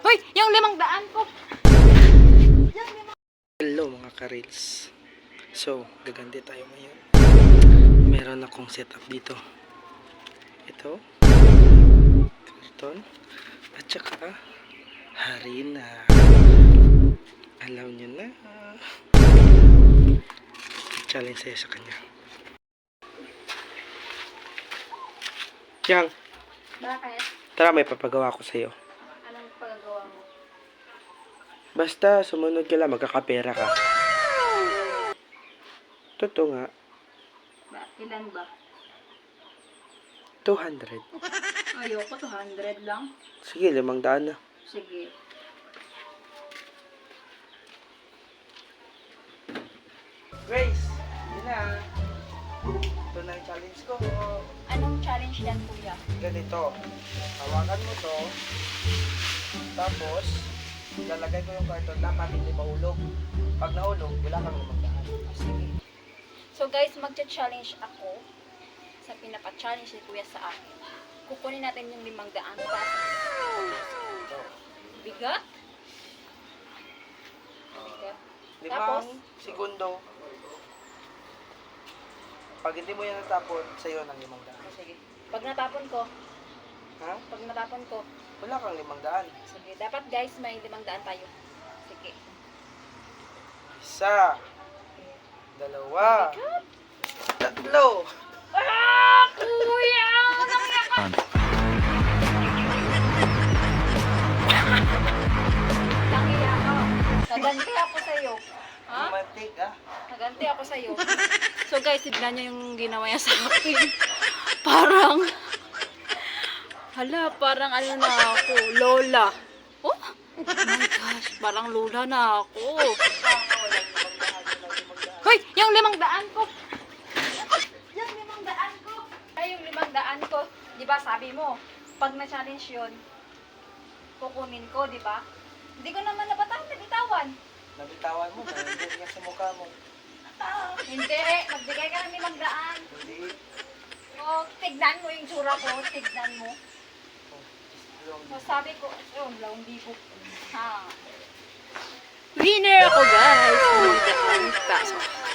Hoy, yung 500 ko. Hello mga ka-reels. So, gagandi tayo ngayon. Meron akong setup dito. Ito. Karton. At saka harina. Alam nyo na. Challenge sa'yo sa kanya. Yang, Bakit? tara may papagawa ko sa'yo. Anong paggawa mo? Basta sumunod ka lang, magkakapera ka. Totoo nga. Ilan ba? 200. Ayoko, 200 lang. Sige, 500 na. Sige. Grace, yun na. Ito na yung challenge ko. Anong challenge yan, kuya? Ganito. Hawakan mo to. Tapos, lalagay ko yung karton. Dapat hindi mahulog. Pag nahulog, wala kang 500. Sige. So guys, magcha-challenge ako sa pinapa-challenge ni kuya sa akin. Kukunin natin yung 500 pesos. Ito. Bigat? Bigat. 5 Tapos? segundo. Pag hindi mo yan natapon, sa'yo ng 500. Sige. Pag natapon ko, Ha? Wala kang 500. sige. Dapat guys, may 500 tayo. Sige. Isa. Dalawa. Bigat? Tatlo. Ah, kuya! Nangiya ako. Naganti ako sa'yo. Ha? Romantic, ah. Naganti ako sa'yo. So guys, tignan nyo yung ginawa niya sa akin. Parang, parang ano na ako, lola. Oh my gosh, parang lola na ako. Hoy, yung 500 ko. Yung 500 ko. Ay, yung 500 ko. Di ba sabi mo, pag na-challenge yun, kukunin ko, di ba? Hindi ko naman nabitawan. Nabitawan mo, nandun nga sa mukha mo. Hindi, magbigay ka ng 500. Hindi. O, tignan mo yung tsura ko, tignan mo. So, sabi ko, yun, 2,000. Ha. Winner ako, guys! 500 pesos.